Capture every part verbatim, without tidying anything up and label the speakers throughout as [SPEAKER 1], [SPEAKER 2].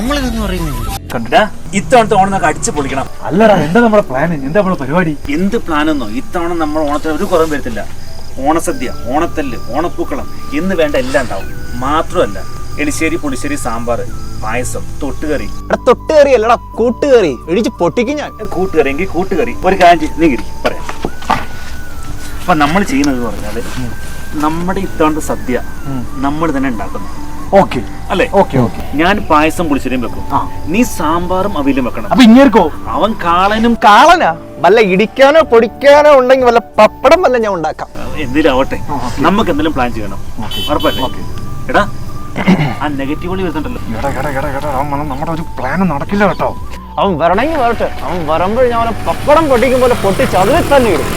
[SPEAKER 1] നമ്മളിതൊന്നും അറിയുന്നില്ല.
[SPEAKER 2] കണ്ടിട്ടാ ഇത്തവണത്തെ ഓണം നമുക്ക് അടിച്ചു പൊളിക്കണം.
[SPEAKER 3] അല്ലടാ, എന്താ നമ്മുടെ പ്ലാൻ? എന്താ നമ്മുടെ പരിപാടി?
[SPEAKER 2] എന്ത് പ്ലാനെന്നോ, ഇത്തവണ നമ്മൾ ഓണത്തിന് ഒരു കുറവും വരുത്തില്ല. ഓണസദ്യ, ഓണത്തല്ല്, ഓണപ്പൂക്കളം എന്ന് വേണ്ട എല്ലാം ഉണ്ടാവും. മാത്രമല്ല എലിശ്ശേരി, പുളിശ്ശേരി, സാമ്പാർ, പായസം, തൊട്ടുകറി.
[SPEAKER 1] തൊട്ടുകറി അല്ലടാ, കൂട്ടുകറി. ഇടിച്ച് പൊട്ടിക്കും ഞാൻ.
[SPEAKER 2] കൂട്ടുകറി എങ്കിൽ കൂട്ടുകറി. ഒരു കാഞ്ചി നീങ്ങിരി പറയാം. അപ്പൊ നമ്മൾ ചെയ്യുന്നത് പറഞ്ഞാല് നമ്മുടെ ഇത്തവണത്തെ സദ്യ നമ്മൾ തന്നെ ഉണ്ടാക്കുന്നു.
[SPEAKER 3] ഓക്കെ
[SPEAKER 2] അല്ലേ?
[SPEAKER 3] Okay okay.
[SPEAKER 2] ഞാൻ പായസം പുളിശ്ശേരിയും വെക്കും, നീ സാമ്പാറും അവിയലും വെക്കണം.
[SPEAKER 3] അപ്പൊ ഇങ്ങേർക്കോ?
[SPEAKER 2] അവൻ കാളനും.
[SPEAKER 1] കാളനാ? വല്ല ഇടിക്കാനോ പൊടിക്കാനോ ഉണ്ടെങ്കിൽ വല്ല പപ്പടം വല്ല ഞാൻ ഉണ്ടാക്കാം.
[SPEAKER 2] എന്തെങ്കിലും ആവട്ടെ, നമുക്ക് എന്തെങ്കിലും പ്ലാൻ ചെയ്യണം. ഉറപ്പല്ലേ? എടാ, ആ നെഗറ്റീവ് വഴി വരുന്നുണ്ടല്ലോ.
[SPEAKER 3] നമ്മുടെ ഒരു പ്ലാൻ നടക്കില്ല കേട്ടോ.
[SPEAKER 1] അവൻ വരണമെങ്കിൽ വരട്ടെ. അവൻ വരുമ്പോൾ ഞാൻ അവനെ പപ്പടം പൊട്ടിക്കും പോലെ പൊട്ടിച്ച് അതിൽ തന്നെ ഇടും.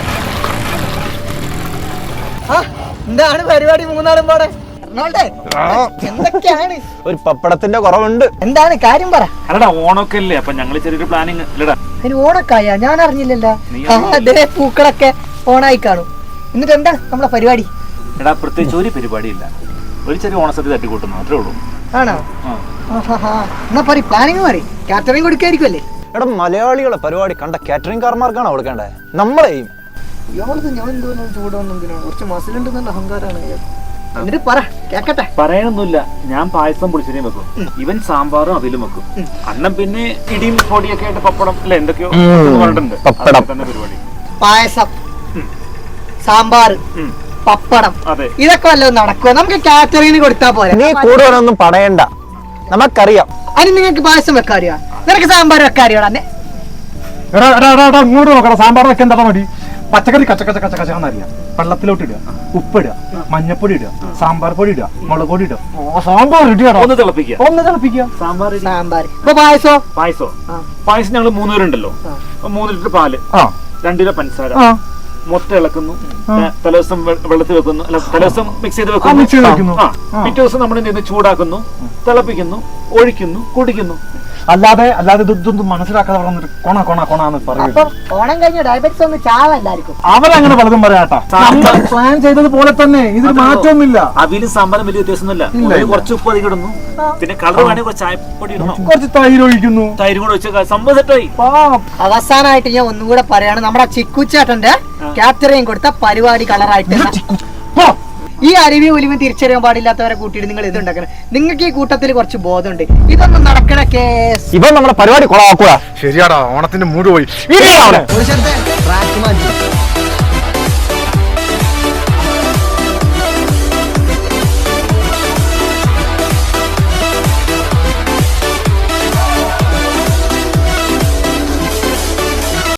[SPEAKER 1] എന്താണ് പരിപാടി? മൂന്നാളും പാടെ എന്തൊക്കെയാണ്? ഒരു പപ്പടത്തിന്റെ കുറവുണ്ട്. എന്താണ് കാര്യം പറ.
[SPEAKER 2] അല്ലടാ, ഓണൊക്കെ അല്ലേ, അപ്പൊ ഞങ്ങള് ചെറിയൊരു പ്ലാനിങ്. അല്ലടാ,
[SPEAKER 4] അതിന് ഓണക്കായ ഞാൻ അറിഞ്ഞില്ലല്ലോ. അതേ പൂക്കളൊക്കെ ഓണായി കാണും. എന്നിട്ട് എന്താ നമ്മളെ പരിപാടി?
[SPEAKER 2] എടാ, പ്രത്യേകിച്ച് ഒരു പരിപാടിയില്ല. ഒരു ചെറിയ ഓണസദ്യ തട്ടിക്കൂട്ടുന്നു, മാത്രമേ ഉള്ളൂ.
[SPEAKER 4] ആണോ? എന്നാ പറ, പ്ലാനിങ് മാറി. കാറ്ററിംഗ് കൊടുക്കായിരിക്കുമല്ലേ?
[SPEAKER 1] എടാ, മലയാളികളെ പരിപാടി കണ്ട കാറ്ററിംഗ് കാർമാർക്കാണ് കൊടുക്കേണ്ടത്, നമ്മളെയും.
[SPEAKER 4] ഇയാളത് ഞാൻ എന്തോന്നും ചൂടൊന്നും കുറച്ച് മസിലുണ്ടെന്നുള്ള അഹങ്കാരമാണ്. എന്നിട്ട് പറ, കേക്കട്ടെ.
[SPEAKER 2] പറയാനൊന്നുമില്ല, ഞാൻ പായസം പുളിശ്ശേരിയും വെക്കും, ഇവൻ സാമ്പാറും അവിലും വെക്കും. അണ്ണൻ പിന്നെ ഇടിയും പൊടിയൊക്കെ ആയിട്ട് പപ്പടം അല്ലെ എന്തൊക്കെയോ പറഞ്ഞിട്ടുണ്ട്. തന്നെ പരിപാടി.
[SPEAKER 4] പായസം, സാമ്പാർ, പപ്പടം, ഇതൊക്കെ വല്ലതും നടക്കുമോ? നമുക്ക് കാറ്ററിംഗിന് കൊടുത്താ പോലെ.
[SPEAKER 1] നീ കൂടുതലൊന്നും പണയണ്ട, നമുക്കറിയാം.
[SPEAKER 4] അതിന് നിങ്ങൾക്ക് പായസം വെക്കാറിയോ? നിനക്ക് സാമ്പാർ വെക്കാറിയോടാ?
[SPEAKER 3] ഇങ്ങോട്ട് നോക്കണം. സാമ്പാർ വെക്കാൻ എന്താ മതി? പച്ചക്കറി കച്ച കച്ച കച്ച കച്ചാന്നറിയാം. വെള്ളത്തിലോട്ട് ഇടുക, ഉപ്പിടുക, മഞ്ഞപ്പൊടി ഇടുക, സാമ്പാർ പൊടി ഇടുക, മുളക് പൊടി ഇടുക, സാമ്പാർ ഇടുക.
[SPEAKER 2] ഒന്ന് തിളപ്പിക്കുക,
[SPEAKER 3] ഒന്ന് തിളപ്പിക്കുക.
[SPEAKER 2] സാമ്പാർ
[SPEAKER 4] സാമ്പാർ. ഇപ്പൊ പായസോ?
[SPEAKER 2] പായസോ പായസം ഞങ്ങൾ മൂന്ന് പേരുണ്ടല്ലോ. മൂന്ന് ലിറ്റർ പാല്, രണ്ട് കിലോ പഞ്ചസാര, മൊത്തം ഇളക്കുന്നു. തലേദിവസം വെള്ളത്തിൽ വെക്കുന്നു, അല്ല തലേദിവസം മിക്സ് ചെയ്ത് വെക്കുന്നു. പിറ്റേ ദിവസം നമ്മൾ എന്ത് ചൂടാക്കുന്നു, തിളപ്പിക്കുന്നു, ഒഴിക്കുന്നു, കുടിക്കുന്നു.
[SPEAKER 3] അല്ലാതെ അല്ലാതെ ഇതൊന്നും മനസ്സിലാക്കാതെ പറഞ്ഞിട്ട് കൊണ കൊണ കൊണാന്ന് പറയുന്നത്.
[SPEAKER 4] ഓണം കഴിഞ്ഞ ഡയബറ്റിസ് ഒന്ന് ചാവല്ലായിരിക്കും.
[SPEAKER 3] അവരങ്ങനെ പലതും പറയാട്ടാ. പ്ലാൻ ചെയ്തതുപോലെ തന്നെ ഇതിന് മാറ്റമൊന്നുമില്ല.
[SPEAKER 2] അവിലും സാമ്പാറും വലിയ വ്യത്യാസമൊന്നുമില്ല. കുറച്ച് ഉപ്പ് അധികം ഇടുന്നു, പിന്നെ കളർ വേണമെങ്കിൽ കുറച്ച് ചായപ്പൊടി ഇടണം,
[SPEAKER 3] കുറച്ച് തൈര് ഒഴിക്കുന്നു.
[SPEAKER 2] തൈര് കൂടെ ഒഴിച്ച സംഭവം സെറ്റായി.
[SPEAKER 4] അവസാനമായിട്ട് ഞാൻ ഒന്നും കൂടെ പറയാണ്, നമ്മുടെ ചിക്കുച്ചേട്ടന്റെ ക്യാപ്റ്ററിങ് കൊടുത്ത പരിപാടി കളറായിട്ട് ഈ അരുവി ഒലിവും തിരിച്ചറിയാൻ പാടില്ലാത്തവരെ കൂട്ടിയിട്ട് നിങ്ങൾ ഇത് ഉണ്ടാക്കണം. നിങ്ങൾക്ക് ഈ കൂട്ടത്തിൽ കുറച്ച് ബോധമുണ്ട്. ഇതൊന്നും നടക്കണ കേസ്.
[SPEAKER 1] ഇവൻ നമ്മുടെ പരിപാടി കൊളാക്കൂടാ.
[SPEAKER 3] ശരിയാടാ, ഓണത്തിന്റെ മൂട് പോയി.